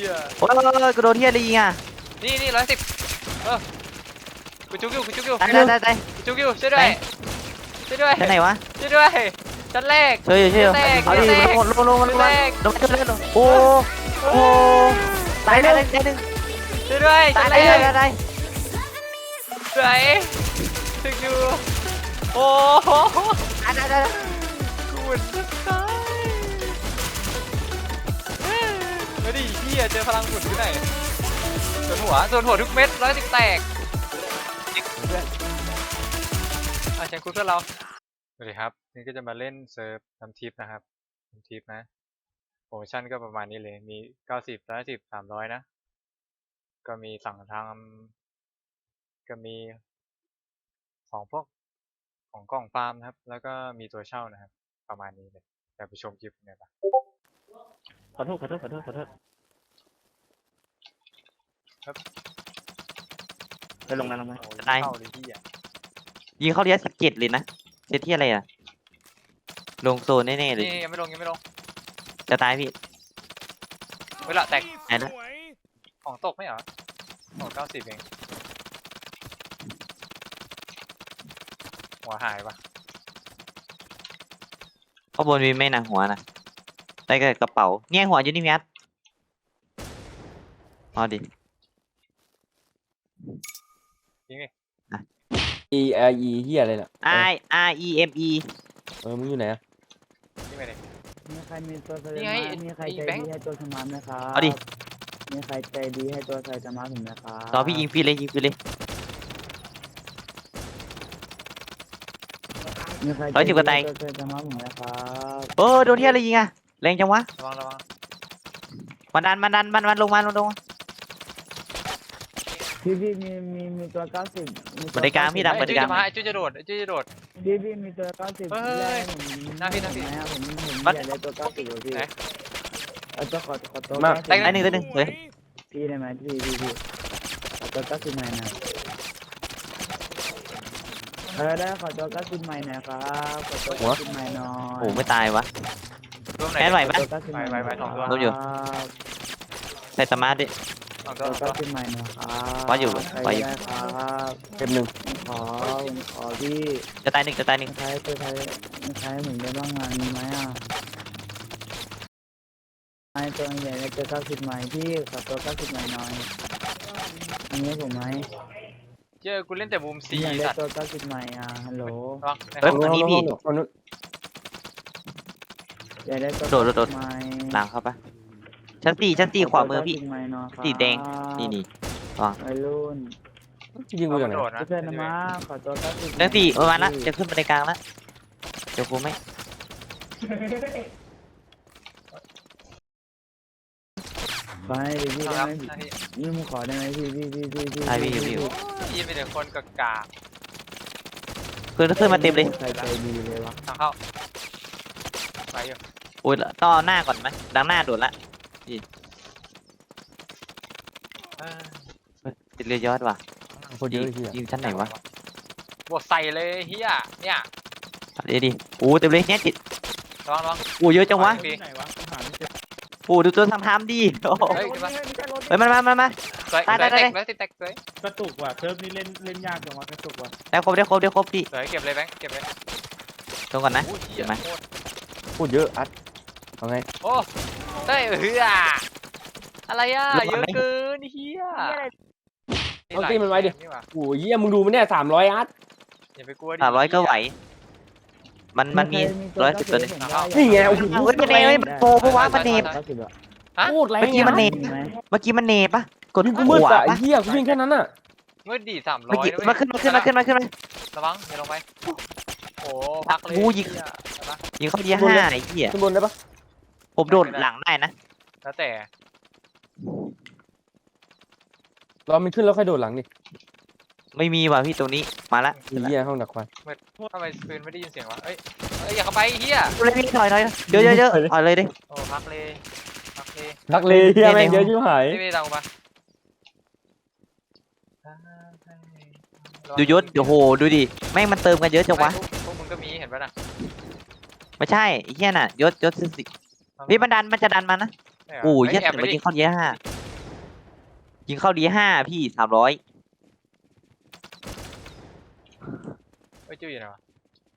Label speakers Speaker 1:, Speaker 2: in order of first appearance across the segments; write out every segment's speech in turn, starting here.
Speaker 1: ย
Speaker 2: โอ้ยกูโดนเฮียอะไรยิงอ่ะ
Speaker 1: นี่110กูจุกอยู่
Speaker 2: ตาย
Speaker 1: กูจุกอยู่ช่วยด้วยช่วยด้วย
Speaker 2: ชั้นไหนวะ
Speaker 1: ช่วยด้วยชั้นแรก
Speaker 2: ช่วยอยู่เอาดิลงโอ้ตายหนึ่ง
Speaker 1: ช่วยด้วย
Speaker 2: ตา
Speaker 1: ชั้
Speaker 2: ย
Speaker 1: นแรก
Speaker 2: ตาย
Speaker 1: สวยถึงอยู่โอ้โหกูจะตายมาดิพี่เจอพลังหมุนที่ไหนส่วนหัวทุกเม็ด110แตกเพื่อนเชิญคุณเพื่อนเราสวัสดีครับนี่ก็จะมาเล่นเซิร์ฟทำทิปนะครับทำทิปนะโปรโมชั่นก็ประมาณนี้เลยมี90 110 300นะก็มีสั่งทำก็มีของพวกของกล่องฟาร์มนะครับแล้วก็มีตัวเช่านะครับประมาณนี้เลยเดี๋ยวไปชมคลิปกันปะ
Speaker 2: ขอโทษไปลงมาตายยิงเข้าเรีย17เลยนะเซตที่อะไรอ่ะลงโซนแน่ๆเลย
Speaker 1: นี่ยังไม่ลง
Speaker 2: จะตายพี่
Speaker 1: เวลาแตก
Speaker 2: ตายแล้ว
Speaker 1: ของตกไม่เหรอของ90เองหัวหายปะ
Speaker 2: ข้างบนมีไม่หนังหัวนะได้กับกระเป๋าเนี่ยหัวอยู่นี่พี่อัดเอาดิ
Speaker 1: จริงดิ
Speaker 3: Eเฮียอะไรน่ะ
Speaker 2: IREME
Speaker 3: มึงอยู่ไหนอะ
Speaker 1: จริงไหมดิ
Speaker 4: มีใครมีตัวส
Speaker 1: นี่
Speaker 4: มา
Speaker 1: ไง
Speaker 4: ร์ทมีใครใจ
Speaker 1: แบงค์
Speaker 4: ดีให้ตัวสมาร์ทไหมครับ
Speaker 2: เอาดิ
Speaker 4: มีใครใจดีให้ตัวใส่สมาร์ทผมไหมครับ
Speaker 2: ต่อพี่ยิงฟรีเลย
Speaker 4: มีใคร
Speaker 2: 110กว่าไต
Speaker 4: ตัวใส่สมาร์ทผมไหมครับ
Speaker 2: โอ้โดนที่อะไรยิงอ่ะแรงจังวะ
Speaker 1: ระวัง
Speaker 2: มันดันลงมา
Speaker 4: พี่มีตัว90มี
Speaker 2: บริการพี่ดำ
Speaker 1: ไอ้จุ้ยจะมาไอ้จุ้ยจะโดด
Speaker 4: พี่มีตัว90
Speaker 1: เฮ้ย
Speaker 4: แรกผม
Speaker 1: หน้าพี่
Speaker 4: ผมอยากได้ตัว90อยู่พี่
Speaker 1: ไหน
Speaker 4: เอาตัวขอตัว
Speaker 2: ได้หนึ่งเฮ้ย
Speaker 4: พี่ได้ไหมพี่ขอตัว90ใหม่หน่อยได้ขอตัว90ใหม่หน่อยครับขอตัว90ใหม่หน่อย
Speaker 2: โอ้ไม่ตายวะ
Speaker 1: รวมไหน
Speaker 2: แค่ไหวปะ
Speaker 4: ตัว90ใหม่หน่อย
Speaker 1: ไหวสองตัว
Speaker 2: รวมอยู่ ใส่สมาร์ทดิ
Speaker 1: สองตั
Speaker 4: ตัว
Speaker 1: ว
Speaker 4: 90ใหม่หน่อยครับ
Speaker 2: ว่าอยู่
Speaker 4: ใคร
Speaker 2: ว่าอยู่
Speaker 4: ได้ครับ
Speaker 3: เก็บหนึ่ง
Speaker 4: ผมขอพี่
Speaker 2: จะตายหนึ่ง
Speaker 4: ใช้เหมือนได้บ้างงานมีไหมอ่ะไอตัวใหญ่ในตัว90ใหม่พี่ขอตัว90ใหม่หน่อยอันนี้ผมไหม
Speaker 1: เจอกูเล่นแต่มุมซี
Speaker 4: อยากได้
Speaker 1: สัตว์
Speaker 4: ตัว90ใหม่อ่ะฮัลโหล
Speaker 1: ระวัง
Speaker 2: เฮ้ยตัวนี้พี่
Speaker 3: คนนู้น
Speaker 4: อยากได้ตัว
Speaker 2: โดด
Speaker 4: 90ใหม่
Speaker 2: หลังเข้าปะชั้นสี่ขวามือพี่
Speaker 4: ขตัว90ใหม่หน่อยครับ
Speaker 2: สีแดงนี่
Speaker 4: วัยรุ่น
Speaker 3: ยิงกูอย่างไหน
Speaker 1: โดดนะ
Speaker 4: เพื่อนๆนะมาขอตัว90
Speaker 2: ชั้น4ประมาณละจะขึ้นบันไดกลางละเดี๋ยวกูไม่
Speaker 4: ไปดิพี่
Speaker 1: ค
Speaker 4: ได้
Speaker 1: รับ
Speaker 4: ไหม
Speaker 1: หน้าที่
Speaker 4: นี่มึงขอได้ไหมพี่
Speaker 2: ตายพี่อยู่
Speaker 1: ยี่เป็นแต่คนกากา
Speaker 2: ขึ้นมาเต็มเลย
Speaker 4: ใครใจดีเลยวะ
Speaker 1: ทางเข้าไปอยู่
Speaker 2: โอ้ยต้องเอาหน้าก่อนไหมดังหน้าโดดละติดเรือยอดว่ะ
Speaker 3: คนเยอะเฮีย
Speaker 2: ยิงชั้นไหนวะ
Speaker 1: บวกใส่เลยเฮียเนี่ย
Speaker 2: ดิโอ้เต็มเลยเนี่ยจิต
Speaker 1: ระวัง
Speaker 2: โอ้เยอะจังวะ
Speaker 1: ปี
Speaker 2: โอ้ดูตัวทำดิโอ้
Speaker 1: เฮ้ยขึ้นมา
Speaker 2: เฮ้ยมา
Speaker 1: สวย
Speaker 2: ตาย
Speaker 1: แตกสวย
Speaker 5: กระตุกว่ะเซิร์ฟนี้เล่นยากจังวะกระตุกว่ะ
Speaker 2: ได้ครบพี่
Speaker 1: สวยเก็บเลยแบงค์เก็บเลย
Speaker 2: ตรงก่อนนะ
Speaker 1: เฮี
Speaker 2: เห็
Speaker 1: ย
Speaker 2: นไหม
Speaker 3: พูดเยอะอัดเอาไง
Speaker 1: โอ้เฮ้ยเฮียอะไรอ่ะเยอะเกินเฮีย
Speaker 3: เอาตีมันไว้ดิโอ้ยเฮียมึงดูมันเนี่ย300อัด
Speaker 1: อย่าไปกลัวดิ
Speaker 2: 300ก็ไหวมันมี110ตัวนึง
Speaker 3: นี่ไงโอ้โห
Speaker 2: เฮ้ยมันเนยมันโปรปะวะมันเนบ
Speaker 4: 90อ่ะ
Speaker 3: โคตรแรง
Speaker 2: เมื่อกี้มันเน
Speaker 4: มีไหม
Speaker 2: เมื่อกี้มันเนปะกด
Speaker 3: ยิงกู
Speaker 2: ข
Speaker 3: มืด
Speaker 2: วา
Speaker 3: อ่ะไอ้
Speaker 2: ปะ
Speaker 3: เฮียกูวิ่งแค่นั้นอ่ะ
Speaker 1: เมื่อดี300
Speaker 2: เมื่อกี้มาขึ้น
Speaker 1: ระวังอย่าลงไปโอ้พักเลย
Speaker 2: กูยิง ยิงเข้าเดีย5ไอ้เหี้ย
Speaker 3: ขึ้นบนได้ปะ
Speaker 2: ผมโดดหลังได้นะ
Speaker 1: แล้วแต่
Speaker 3: รอมันขึ้นแล้วค่อยโดดหลังดิ
Speaker 2: ไม่มีว่ะพี่ตรงนี้มาละ
Speaker 3: ไอ้เฮียห้องดักควัน
Speaker 1: ทำไมปืนไม่ได้ยินเสียงวะเอ้ยอย่าเข้าไปเฮีย
Speaker 2: เลยพี่ถอยเยอะถอยเลยดิ
Speaker 1: โอ้พักเลย
Speaker 3: ดักเลยเฮียแม่งเยอะชิบหาย
Speaker 1: ไม่ตามกูมา
Speaker 2: ดูยศโอ้โหดูดิแม่งมันเติมกันเยอะจังวะ
Speaker 1: พวกมึงก็มีเห็นปะน่ะ
Speaker 2: ไม่ใช่ไอ้เหี้ยน่ะยศสิพี่มันจะดันมานะโอ้ยเหี้ยแต่มันยิงเข้าเดีย5 ยิงเข้าดีห้าพี่300
Speaker 1: เฮ้ยจื้ออยู่ไหนวะ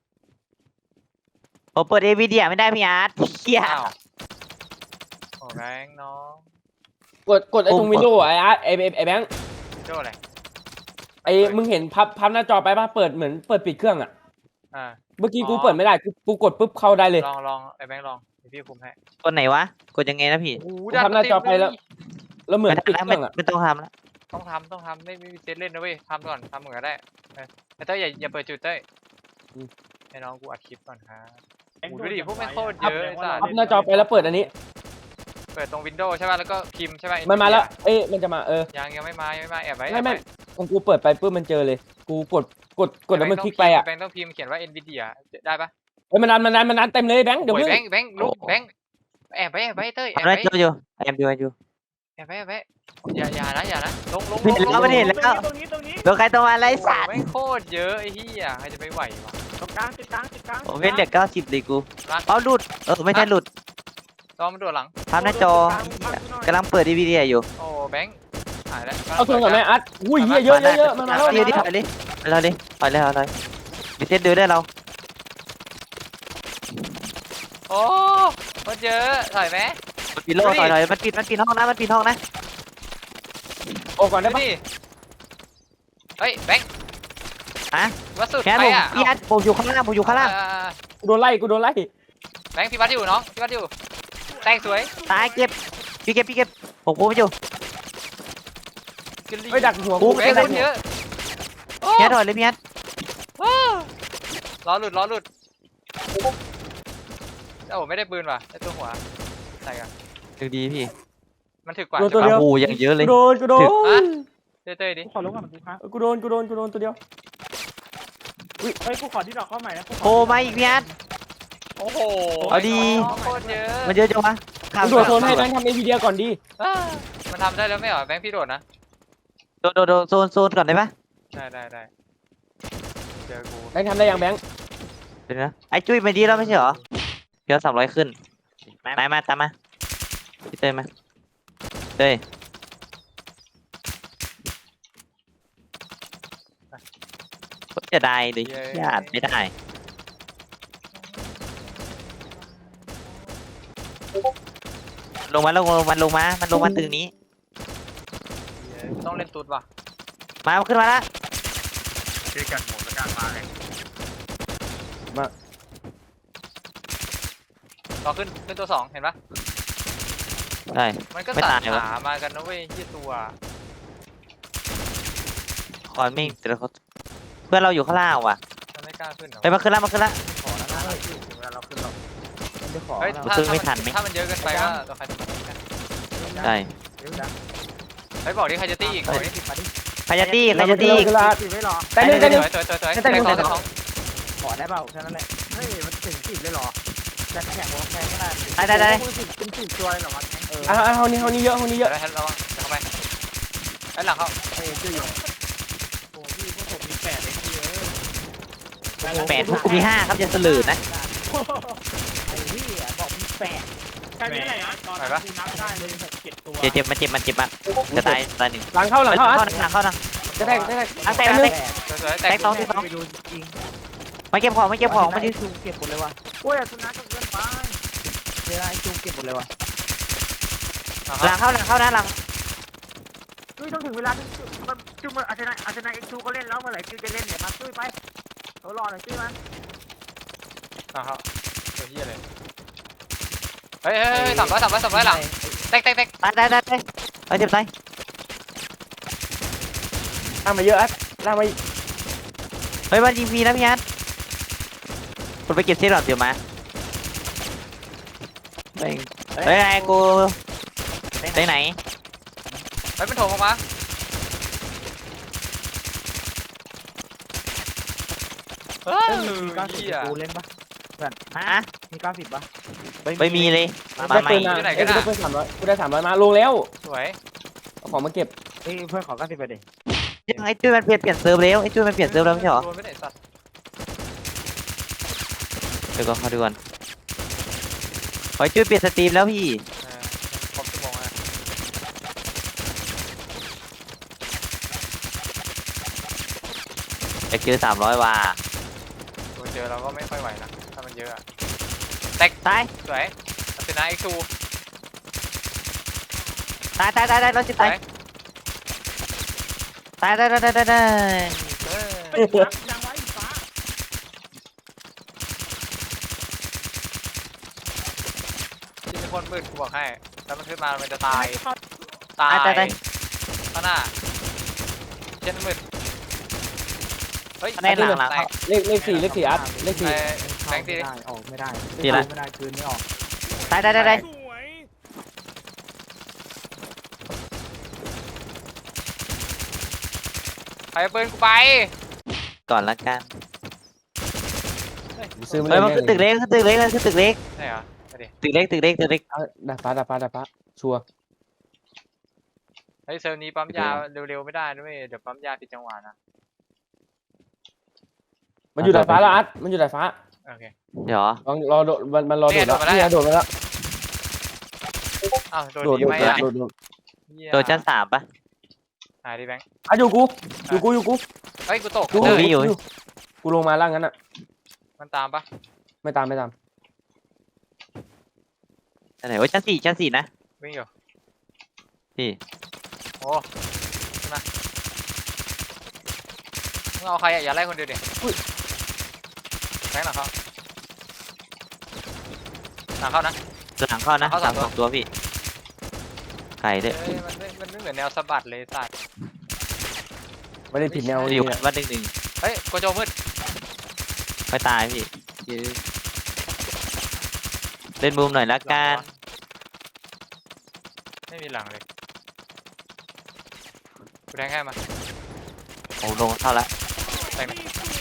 Speaker 2: ผมเปิด NVIDIA ไม่ได้พี่อาร์ตเฮีย
Speaker 1: อ้าวโอ้แบงค์น้อง
Speaker 3: กดไอ้ตรงวินโดว์ไอ้อาร์ตไอ้แบงค์
Speaker 1: วินโดว์อะไร
Speaker 3: ไอ้มึงเห็นพับหน้าจอไปป่ะเปิดเหมือนเปิดปิดเครื่องอ่ะ
Speaker 1: อ่า
Speaker 3: เมื่อกี้กูเปิดไม่ได้กูกดปุ๊บเข้าได้เลย
Speaker 1: ลองไอ้แบงค์ลองเดี๋ยวพี่คุมให้
Speaker 2: กดไหนวะกดยังไงนะพี่
Speaker 1: โอ้โห
Speaker 3: กูทำหน้าจอไปแล้ว แล้วเหมือน
Speaker 2: ไม่
Speaker 3: ปิด
Speaker 2: ได้
Speaker 3: เครื่องอ่ะ
Speaker 2: ไม่ต้องทำแล้ว
Speaker 1: ต้องทำไม่มีเซตเล่นนะเว้ยทำก่อนทำเหมือนกันได้ไอ้เต้ยอย่าเปิดจุดเต้ยให้น้องกูอัดคลิปก่อนครับโอ้โหดูดิพวกแม่งโคตรเยอะไอ้สัส
Speaker 3: พับหน้าจอไปแล้วเปิดอันนี้
Speaker 1: เปิดตรงวินโดว์ใช่ป่ะแล้วก็พิมพ์ใช่ป่ะ
Speaker 3: มันมาแล้วเอ้ยมันจะมา
Speaker 1: ยังไม่มาแอบไว้
Speaker 3: ไม่ของกูเปิดไปปุ๊บมันเจอเลย กูกดแล้วมันคลิกไปอ่ะ
Speaker 1: แบงค์ต้องพิมพ์เขียนว่า Nvidia ได้ป่ะ
Speaker 3: เฮ้ยมันนานเต็มเลยแบงค์เดี๋ยว
Speaker 1: โอ้
Speaker 3: มึ
Speaker 1: ย
Speaker 3: ง
Speaker 1: แบงค์ลุกแบงค์แอบไว้เต้ยแอบ
Speaker 2: ทำได้
Speaker 1: ไว้
Speaker 2: โจอยู่แอมอยู่
Speaker 1: แอบไว้อย่านะลง
Speaker 2: ไม่เห็นแล้วไม่เห็นแล้ว
Speaker 5: ตรงนี้
Speaker 2: โดนใครตัวมาไร
Speaker 1: โอ้โห
Speaker 2: สัตว์
Speaker 1: แม่งโคตรเยอะไอ้เหี้ยใครจะไปไหววะ
Speaker 5: ตรงกลางติดกลาง
Speaker 2: ผมเป็นเหล็ก90เลยกู
Speaker 1: รัก
Speaker 2: เอาหลุดไม่ใช่หลุด
Speaker 1: ตอนมันโดดหลัง
Speaker 2: ภาพหน้าจอกำลังเปิด NVIDIA อยู่
Speaker 1: โอ้แบงค์หายแล้ว
Speaker 3: เอาทวนก่อนไหมอาร์ตอุ้ยเยอะมันมาแล้ว
Speaker 2: เอาดิถอยเลยเอาเลยมีเซตดูได้เรา
Speaker 1: โอ้โคตรเยอะถอยไหม
Speaker 2: มันปิดโลถอยมันปิดห้องนะ
Speaker 3: โอ้ก่อนได้
Speaker 1: ดู
Speaker 3: ปะ
Speaker 1: ดิเฮ้ยแบงค์
Speaker 2: ฮะ
Speaker 1: วัดสุด
Speaker 2: แค่
Speaker 1: ใคร
Speaker 2: ผม
Speaker 1: อ่ะ
Speaker 2: พี่อาร์ตผมอยู่ข้างล่าง
Speaker 3: กูโดนไล่
Speaker 1: แบงค์พี่วัดอยู่น้องพี่วัดอยู่แต่งสวย
Speaker 2: ตายเก็บพี่เก็บผมพูดไม่อยู่
Speaker 1: กินลี
Speaker 3: เฮ้ยดักหัว
Speaker 2: กู
Speaker 3: กู
Speaker 1: แบงค์คนเยอะโอ้
Speaker 2: พี่อาร์ตถอยเลยพี่อาร์ต
Speaker 1: ล้อหลุดโอ้ไม่ได้ปืนว่ะได้ตัวหัวใส่กัน
Speaker 2: ดูดีพี่
Speaker 1: มันถึกกว่า
Speaker 3: โดนตัว
Speaker 2: โอ้
Speaker 3: เดียว
Speaker 2: โหอย่างเยอะเลย
Speaker 3: กูโดน
Speaker 1: เต้ยดิ
Speaker 5: กูขอลงก่อนกูครับ
Speaker 3: กูโดนตัวเดียว
Speaker 5: เฮ้ยกูขอที่ดอกเข้าใหม่นะ
Speaker 2: โอ้มาอีกพี่อาร์ต
Speaker 1: โอ้โห
Speaker 2: เอาดี
Speaker 1: โคตรเยอะ
Speaker 2: มันเยอะจังวะ
Speaker 3: กูโดดโซนให้แบงค์ทำในวีเดีโอก่อนดี
Speaker 1: มันทำได้แล้วไม่เหรอแบงค์พี่โดดนะ
Speaker 2: โดโซนก่อนได้ปะ
Speaker 1: ได้เจอกู
Speaker 3: แบงค์ทำได้ยังแบงค์
Speaker 2: เดี๋ยวนะไอ้จุ้ยไปดีแล้วไม่ใช่เหรอเดี๋ยว300ขึ้นมาตามมาพี่เต้ยมาเต้ยจะได้หรือญาติไม่ได้ลงมาตึกนี้
Speaker 1: ต้องเล่นตุ๊ดว่ะ
Speaker 2: มาขึ้นมาละ
Speaker 1: คือกันหมดแล้วกันมาเลยต่อขึ้นตัวสองเห็นปะ
Speaker 2: ได้
Speaker 1: มันก็
Speaker 2: ไม่
Speaker 1: สั
Speaker 2: ตา
Speaker 1: ต
Speaker 2: ยวะ
Speaker 1: หามากันนะเว้ยที่ตัว
Speaker 2: คอนไม่แต่ละคนเพื่อนเราอยู่ข้างล่างว่ะ
Speaker 1: มันไม่กล้าขึ้นหรอ
Speaker 2: ไปมาขึ้นละ
Speaker 1: ขอแล้วนะถึงเวลาเราขึ้นหรอก
Speaker 4: มันจะขอ
Speaker 1: เฮ้ย
Speaker 4: เรา
Speaker 2: ขึ้นไม่ทันไหม
Speaker 1: ถ้ามันเยอะเกินไปก็ตัวใครตัวมัน
Speaker 2: ได้
Speaker 1: เฮ้ยบอกดิใครจะตีอีกบอกดิ
Speaker 2: ใครจะตี
Speaker 3: คือละ
Speaker 4: 10ไม่หรอ
Speaker 3: แต่หนึ่ง
Speaker 1: สอง
Speaker 4: ขอได้เปล่าแค่นั้นแหละเฮ้ยมันถึง10เลยหรอแต่แข่งวอลแข่งก็ได้
Speaker 2: ได้
Speaker 4: เป็น10ตัวเลยหรอวะเออ
Speaker 3: ห้องนี้เยอะ
Speaker 1: เดี๋ยวให้ระวังเข้าไปไอ้หลังเข้า
Speaker 4: เฮ้ยชื่ออยู่
Speaker 5: โอ้พี่พวกผมมี8เลยพี่
Speaker 2: 8พวกกูมี5ครับจะเสลือนะ
Speaker 4: ไอ้ที่บอกมี8
Speaker 5: ใช่ไหมไหนอ่ะตอนนั้นกูนับได้เลย7ตัว
Speaker 2: เจ็บมันจะตายหนึ่ง
Speaker 3: หลังเข้า
Speaker 2: เข้านะ
Speaker 3: จะแทง
Speaker 2: ตั้งแต่
Speaker 1: สวยๆแตก
Speaker 2: สอง
Speaker 4: ไปดูจริง
Speaker 2: ไม่เก็บของไม่เก็บของไม่ได้
Speaker 4: จูเก็บหมดเลยว่ะโอ้ยสุนัขก็เกินไปเวลาไอ้จูเก็บหมดเลยว่ะ
Speaker 2: หลังเข้านะหลัง
Speaker 4: จุ้ยต้องถึงเวลาที่มันจุ้ยมันอาจจะเอ็กซ์จูก็เล่นแล้วเมื่อไหร่จุ้ยจะเล่นเนี่ยมาจุ้ยไปเรารอหน่อยจุ้ยมัน
Speaker 1: เข้าตัวเฮียเลยเฮ้ย300หลังแตก
Speaker 2: ตายเจ็บตาย
Speaker 3: ล่างมาเยอะล่างมา
Speaker 2: เฮ้ยมันยิงมีนะพี่ยันคุณไปเก็บเซตหรอเดี๋ยวมาเฮ้ยไอ้กูไปไหน
Speaker 1: เฮ้ยมันโถมออกมาเฮ้ย
Speaker 4: มี90กูเล่นปะเพื่อน
Speaker 2: ฮะ
Speaker 4: มี90ปะ
Speaker 2: ไม่มีเลยมา
Speaker 3: ได้
Speaker 2: ใหม่
Speaker 3: ปืนมากูได้ปืน300กูได้300มาลงแล้ว
Speaker 1: สวย
Speaker 3: เอาของมาเก็บ
Speaker 4: เฮ้ยเพื่อนขอ90ไปดิ
Speaker 2: ยังไอ้จุ้ยมันเปลี่ยนเซิร์ฟแล้วไอ้จุ้ยมันเปลี่ยนเซิร์ฟแล้วไม่ใช่หรอ
Speaker 1: โดนไม่ได้สัตว์
Speaker 2: เดี๋ยวก่อนเขาดูก่อนไอ้จุ้ยเปลี่ยนสตรีมแล้วพี่
Speaker 1: ครบชั่วโมงแล้ว
Speaker 2: อยากเจอ300ว่ะ
Speaker 1: ตัวเจอเราก็ไม่ค่อยไหวนะถ้ามันเยอะอะ
Speaker 2: ตาย
Speaker 1: สวยอาร์เซนอลเอ็กซ์ทู
Speaker 2: ตายรถจิต
Speaker 1: ส
Speaker 2: ตา
Speaker 1: วย ย
Speaker 2: ตาย
Speaker 1: เออ
Speaker 5: ยังไว้ฟ้า
Speaker 1: ที่เป็นคนมืดกูบอกให้แล้วมันขึ้นมามันจะตาย
Speaker 2: ตาย
Speaker 1: ข้างหน้าเช่นมืดเฮ้ย
Speaker 2: ในหลัง
Speaker 1: แตก
Speaker 3: เลขสี่อัดเลขสี่
Speaker 1: แบงค์ตีดิ
Speaker 4: ออกไม่ได้
Speaker 2: ดีละ
Speaker 4: ไม่ได้คืนไม่ออก
Speaker 2: ตาย
Speaker 5: สวย
Speaker 1: ใครเอาปืนกูไป
Speaker 2: ก่อนละกัน
Speaker 3: ซื้อมา
Speaker 2: เฮ้ยมัน
Speaker 3: เล
Speaker 2: คือตึกเล็กมันคือตึกเล็ก
Speaker 1: ใช่เหรอไปดิ
Speaker 2: ตึกเล็ก
Speaker 3: ดาฟ้าชัวร์
Speaker 1: เฮ้ยเซลล์นี้ปั๊มยาเร็วๆไม่ได้ด้วยเดี๋ยวปั๊มยาผิดจังหวะนะ
Speaker 3: มันอยู่ดาดฟ้าแล้วอัดมันอยู่ดาดฟ้า
Speaker 1: โอเค
Speaker 2: เดี๋ยว
Speaker 3: ลองรอโดดมันรอโดดแล้วนี่โดดมาแล้ว
Speaker 1: อ้าวโดน
Speaker 3: โดด
Speaker 1: ดีไหมอ่ะ เหี้ย
Speaker 2: โดนชั้น3ปะ
Speaker 1: หายดิแบงค์
Speaker 3: อ่ะอยู่กู
Speaker 1: เฮ้ยกูตก
Speaker 3: กู
Speaker 2: เออพี่อยู่
Speaker 3: กูลงมาล่างงั้นอ่ะ
Speaker 1: มันตามปะ
Speaker 3: ไม่ตาม
Speaker 2: ชั้นไหนโอ้ยชั้น4นะ
Speaker 1: วิ่งอยู่
Speaker 2: พี่
Speaker 1: โอ้มามึงเอาใครอ่ะอย่าไล่คนเดียวดิแบงค์หลังเขาหลังเขานะ
Speaker 2: หลังเข้านะ
Speaker 1: เข้า
Speaker 2: หลัง
Speaker 1: สามตัว
Speaker 2: 2 ตัวพี่ไข่ด้วย
Speaker 1: เอ้ยมันไม่เหมือนแนวสะบัดเลยสัตว์
Speaker 3: ไม่ได้ผิดแนว
Speaker 2: อ
Speaker 3: นี่
Speaker 2: ยู่วัดหนึ่ง
Speaker 1: เฮ้ยโกโจมืด
Speaker 2: ไม่ตายพี่ยื้อเล่นมุมหน่อยละกัน
Speaker 1: ไม่มีหลังเลยกูแทงให้มา
Speaker 2: โอ้ลงเข้าละ
Speaker 1: แทงหน่อย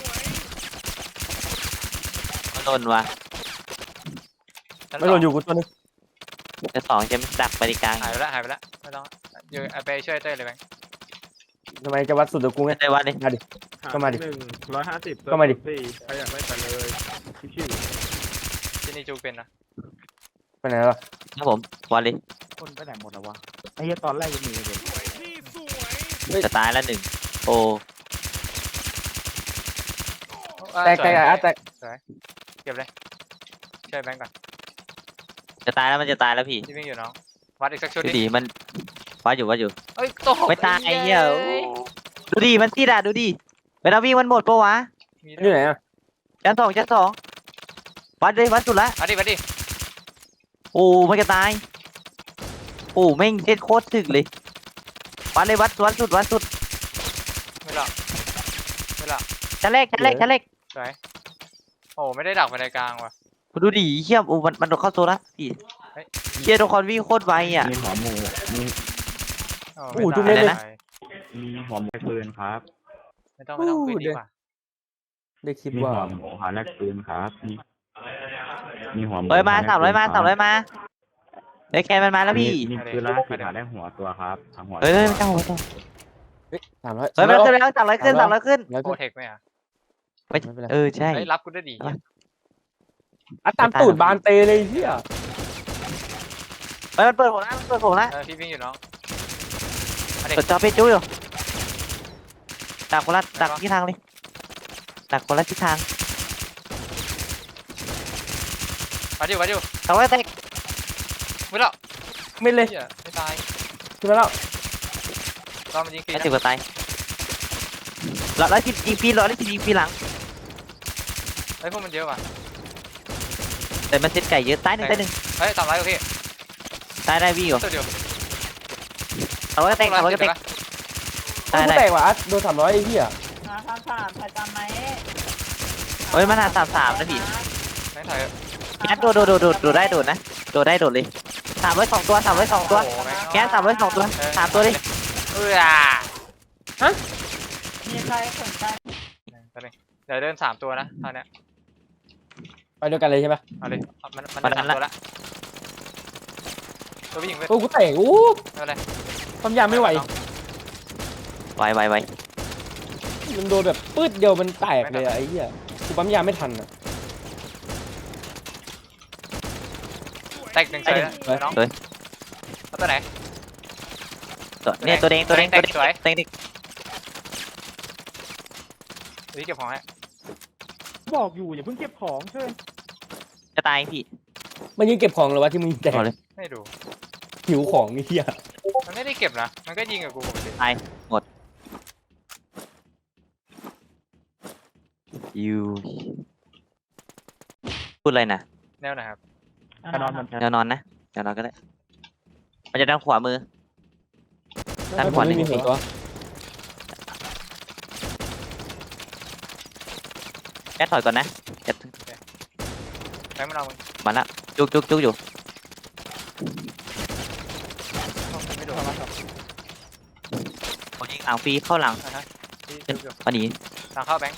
Speaker 2: มันโดนว่ะ
Speaker 1: ชั้น
Speaker 3: ไม่โดนอยู่กูตัวนึง
Speaker 2: ชั้น2จะไม่ดักไปในกลาง
Speaker 1: หายไปแล้วไม่ต้องอยู่เอาไปช่วยเต้ยเลยแบงค์
Speaker 3: ทำไมจะวัดสุดกับกูไง
Speaker 2: ไม่ได้วัดเลย
Speaker 3: มาดิ ก็มาดิ
Speaker 5: 150
Speaker 3: ก็มาดิ
Speaker 5: ใครอยากได้แต่เลยชิว
Speaker 1: ที่นี่จูเป็นนะ
Speaker 3: ไปไหนแล้ว
Speaker 2: ครับผมวัดเลย
Speaker 4: คนไปไหนหมดแล้ววะไอ้เหี้ยตอนแรกยังมีเลย
Speaker 2: จะตายแล้ว1โอ้
Speaker 3: แตกอัดแตก
Speaker 1: เก็บเลยช่วยแบงค์ก่อน
Speaker 2: จะตายแล้วมันจะตายแล้วพี่
Speaker 1: ที่วิ่งอยู่น้องวัดอีกสักชุด
Speaker 2: ดู
Speaker 1: ดิ
Speaker 2: ดิมันวัดอยู่
Speaker 1: เอ้ยตก
Speaker 2: ไม่ตายไอ้เหี้ยโอ้ดูดิมันติดดูดิเวลาวิ่งมันหมดปะวะ
Speaker 1: มี
Speaker 3: มันอยู่ไหนอ่ะ
Speaker 2: ชั้น2วัดเลยวัดสุดละ
Speaker 1: มาดิ
Speaker 2: โอ้มันจะตายโอ้แม่งเซ็ตโคตรถึกเลยวัดเลยวัดสุด
Speaker 1: ไม่หรอก
Speaker 2: ชั้นแรก
Speaker 1: สวยโอ้ไม่ได้ดักไปในกลางว่ะ
Speaker 2: ดูดิเหี้ยโอ้มันโดนเข้าโซละพี่
Speaker 1: เฮ้ย
Speaker 2: เหี้ยทุกคนวิ่งโคตรไวอ่ะ
Speaker 4: มีหัวหมูมี
Speaker 1: โอ้ไม่ตาย
Speaker 2: อะไรนะ
Speaker 4: มีหัวหมูปืนครับ
Speaker 1: ไม่ต้องคุยดีกว่า
Speaker 3: ได้คลิป
Speaker 4: มี
Speaker 3: ว่า
Speaker 4: หัวหมูหาแลกปืนครับมีหัวหมู
Speaker 2: เฮ้ยมา300มาได้แค่มันมาแล้วพี่
Speaker 4: มีปืนแล้วคือหาได้หัวตัวครับทั้งหัว
Speaker 2: เฮ้ยไม่ต้อง
Speaker 3: 300
Speaker 2: เฮ้ยมันขึ้นแล้ว300ขึ้น
Speaker 3: แล้ว
Speaker 1: โปรเทคไหมอ่ะ
Speaker 2: ใช่
Speaker 1: เฮ้ยรับกูได้ดี
Speaker 3: อัดตามตูดบานเตเลยเฮีย
Speaker 2: เฮ้ยมันเปิดผมละ
Speaker 1: พี่วิ่งอยู่น้อง
Speaker 2: เปิดจอเพจจุ้ยดักคนละที่ทางเลยดักคนละทิศทาง
Speaker 1: มาดิ
Speaker 2: แต่ว่าแตก
Speaker 1: ไม่หรอก
Speaker 3: ไม่เลย
Speaker 1: ไม่ตาย
Speaker 3: ขึ้นมาแล้ว
Speaker 1: ตอนมันยิงฟรี
Speaker 2: ไม่ถึงกับตาย110ยิงฟรี110ยิงฟรีหลัง
Speaker 1: เฮ้ยพวกมันเยอะว่ะ
Speaker 2: แต่มันเซตไก่เยอะตายหนึ่ง
Speaker 1: เฮ้ย300โอเค
Speaker 2: ตายได้พี่เหรอ
Speaker 1: ตัวเดียว
Speaker 2: แต่ว่าแตก
Speaker 3: กูแตกว่ะอัดโดน300ไอ้เหี้ย
Speaker 6: 3ถ่ายตามไหม
Speaker 2: เฮ้ยมันหา33นะพี่
Speaker 1: แบงค์ถ่าย
Speaker 2: งั้นโดดได้โดดนะโดดได้โดดเลย302ตัวแค่302ตัว3ตัวดิ
Speaker 6: มีใครสนใจ
Speaker 1: เดี๋ยวเดิน3ตัวนะตอนเนี้ย
Speaker 3: ไปด้วยกันเลยใช่ปะ
Speaker 1: เอาเลยมันเดิน3ตัวละตัววิ่งเว้ย
Speaker 3: โอ้กูแตก
Speaker 1: ไม่เป็นไร
Speaker 3: ความยามไม่ไหว
Speaker 2: ไว
Speaker 3: มันโดนแบบปืดเดียวมันแตกเลยอะไอ้เหี้ยกูปั๊มยาไม่ทันอ่ะ
Speaker 1: แตก1เฉยน้องเอาตัวไหน
Speaker 2: เนี่ยตัวแดง
Speaker 1: สวย
Speaker 2: เต็ง
Speaker 1: นี่เก็บของให้
Speaker 5: บอกอยู่อย่าเพิ่งเก็บของเชิญ
Speaker 2: จะตายพี่
Speaker 3: มันยิงเก็บของเหรอวะที่มึงแตก
Speaker 2: เอาเลย
Speaker 1: ไม่ดู
Speaker 3: หิวของไอ้เหี้ย
Speaker 1: มันไม่ได้เก็บนะมันก็ยิงกับกูปกติ
Speaker 2: ตายหมดยูพูดอะไรนะ
Speaker 1: แนวไหนครับ
Speaker 5: ไปนอนมัน
Speaker 2: แนวนอนนะแนวนอนก็ได้มันจะด้านขวามือ ด้านขวา
Speaker 3: ไม่มีหัวตัว
Speaker 2: แค่ถอยก่อนนะจะ
Speaker 1: แบงค์มันเอามึง
Speaker 2: มาละจุกอยู่
Speaker 1: ไม่โดน
Speaker 2: ผมยิงอ่างฟรีเข้าหลัง
Speaker 1: ที่
Speaker 2: เป็น
Speaker 1: อยู่
Speaker 2: พอดี
Speaker 1: ทางเข้าแบงค์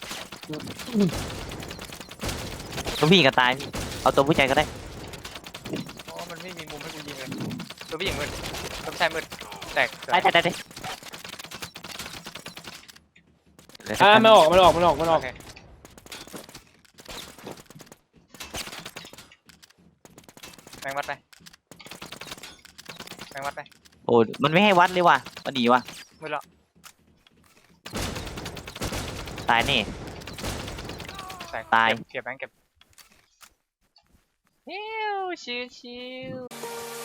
Speaker 2: ตัวผู้หญิงก็ตายพี่เอาตัวผู้ชายก็ได้
Speaker 1: โอ้มันไม่มีมุมให้กูยิงเลยตัวผู้หญิงมืดตัวผู้ชายมืดแตก
Speaker 2: ได้
Speaker 3: มันออก
Speaker 1: โอเคแบงค์วัดไปแบงค์วัดไป
Speaker 2: โอ้มันไม่ให้วัดเลยว่ะมันหนีว่ะ
Speaker 1: มืดแล้ว
Speaker 2: ตายนี่
Speaker 1: แตก
Speaker 2: ตาย
Speaker 1: เก็บแบงค์เก็บชิว